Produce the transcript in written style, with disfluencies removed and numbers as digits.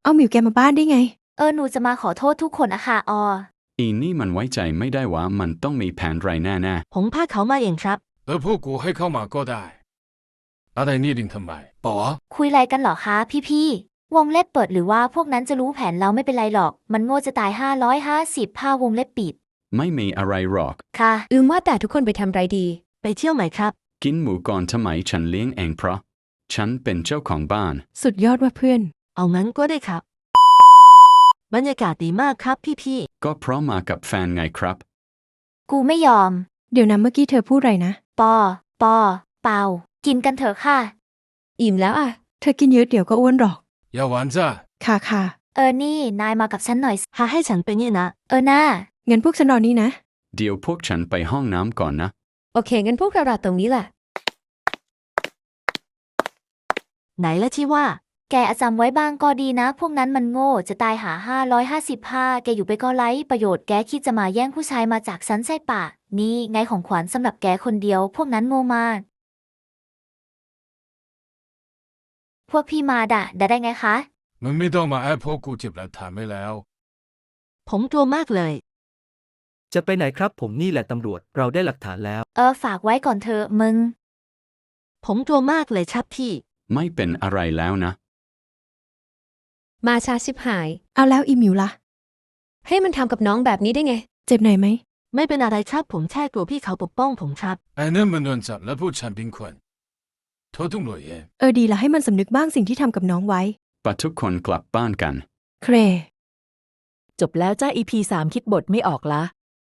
เอาหมิวแกมาบ้านได้ไงหนูจะมาขอโทษทุกคนอะค่ะอีนี่มันไว้ใจไม่ได้ว่ามันต้องมีแผนไรแน่ผมพาเขามาเองครับพวกกูให้เข้ามาก็ได้อะไรนี่ดิ่งทำไมป๋อคุยอะไรกันเหรอคะพี่วงเล็บเปิดหรือว่าพวกนั้นจะรู้แผนเราไม่เป็นไรหรอกมันโง่จะตาย550ผ้าวงเล็บปิดไม่มีอะไรหรอกค่ะว่าแต่ทุกคนไปทำไรดีไปเที่ยวไหมครับกินหมูก่อนทำไมฉันเลี้ยงเองเพราะฉันเป็นเจ้าของบ้านสุดยอดว่าเพื่อนเอางั้นก็ได้ครับบรรยากาศดีมากครับพี่ก็เพราะมากับแฟนไงครับกูไม่ยอมเดี๋ยวนะเมื่อกี้เธอพูดไรนะปอเปล่ากินกันเถอะค่ะอิ่มแล้วอ่ะเธอกินเยอะเดี๋ยวก็อ้วนหรอกอย่าหวานจ้ะค่ะนี่นายมากับฉันหน่อยหาให้ฉันไปเนี่ยนะน่างั้นพวกฉันรอนี่นะเดี๋ยวพวกฉันไปห้องน้ำก่อนนะโอเคงั้นพวกเรารอตรงนี้แหละไหนละที่ว่าแกจำไว้บ้างก็ดีนะพวกนั้นมันโง่จะตายหา555แกอยู่ไปก็ไร้ประโยชน์แกคิดจะมาแย่งผู้ชายมาจากฉันใช่ปะนี่ไงของขวัญสำหรับแกคนเดียวพวกนั้นโง่มากพวกพี่มาด่าได้ไงคะมึงไม่ต้องมาแอบพวกกูเจ็บหลักฐานไม่แล้วผมกลัวมากเลยจะไปไหนครับผมนี่แหละตำรวจเราได้หลักฐานแล้วฝากไว้ก่อนเถอะมึงผมกลัวมากเลยครับพี่ไม่เป็นอะไรแล้วนะมาช้าชิบหายเอาแล้วอีหมิวล่ะให้มันทำกับน้องแบบนี้ได้ไงเจ็บหน่อยไหมไม่เป็นอะไรครับผมแค่กลัวพี่เขาปกป้องผมครับนั่นมันโดนจับและผู้ชันเป็นคนโทษทุกหน่วยดีละให้มันสำนึกบ้างสิ่งที่ทำกับน้องไว้ปะทุกคนกลับบ้านกันเครจบแล้วจ้า EP 3คิดบทไม่ออกละ